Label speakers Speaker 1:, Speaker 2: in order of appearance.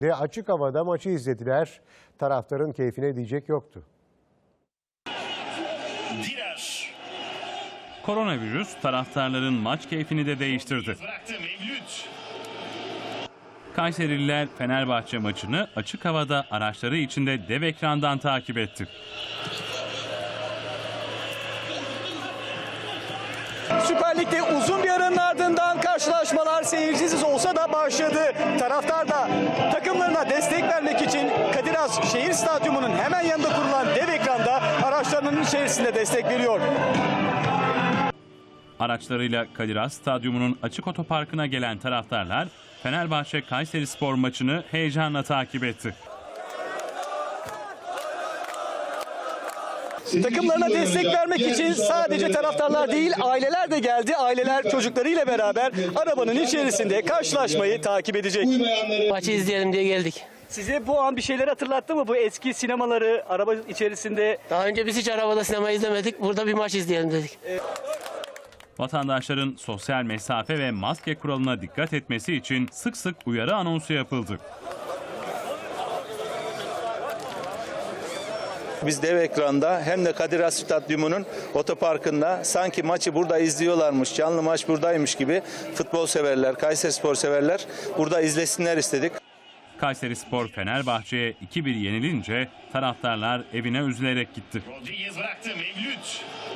Speaker 1: Ve açık havada maçı izlediler. Taraftarın keyfine diyecek yoktu.
Speaker 2: Koronavirüs taraftarların maç keyfini de değiştirdi. Kayserililer Fenerbahçe maçını açık havada araçları içinde dev ekrandan takip etti.
Speaker 3: Süper Lig'de uzun bir aranın ardından karşılaşmalar seyircisiz olsa da başladı. Taraftar da takımlarına destek vermek için Kadir Has Şehir Stadyumu'nun hemen yanında kurulan dev ekranda araçlarının içerisinde destek veriyor.
Speaker 2: Araçlarıyla Kadir Has Stadyumu'nun açık otoparkına gelen taraftarlar Fenerbahçe Kayserispor maçını heyecanla takip etti.
Speaker 3: Takımlarına destek vermek için sadece taraftarlar değil, aileler de geldi. Aileler çocuklarıyla beraber arabanın içerisinde karşılaşmayı takip edecek.
Speaker 4: Maçı izleyelim diye geldik.
Speaker 3: Size bu an bir şeyler hatırlattı mı? Bu eski sinemaları araba içerisinde.
Speaker 4: Daha önce biz hiç arabada sinema izlemedik. Burada bir maç izleyelim dedik.
Speaker 2: Vatandaşların sosyal mesafe ve maske kuralına dikkat etmesi için sık sık uyarı anonsu yapıldı.
Speaker 5: Biz dev ekranda hem de Kadir Has Stadyumu'nun otoparkında sanki maçı burada izliyorlarmış, canlı maç buradaymış gibi futbol severler, Kayserispor severler burada izlesinler istedik.
Speaker 2: Kayserispor Fenerbahçe'ye 2-1 yenilince taraftarlar evine üzülerek gitti.
Speaker 6: Rodriguez bıraktı, Mevlüt.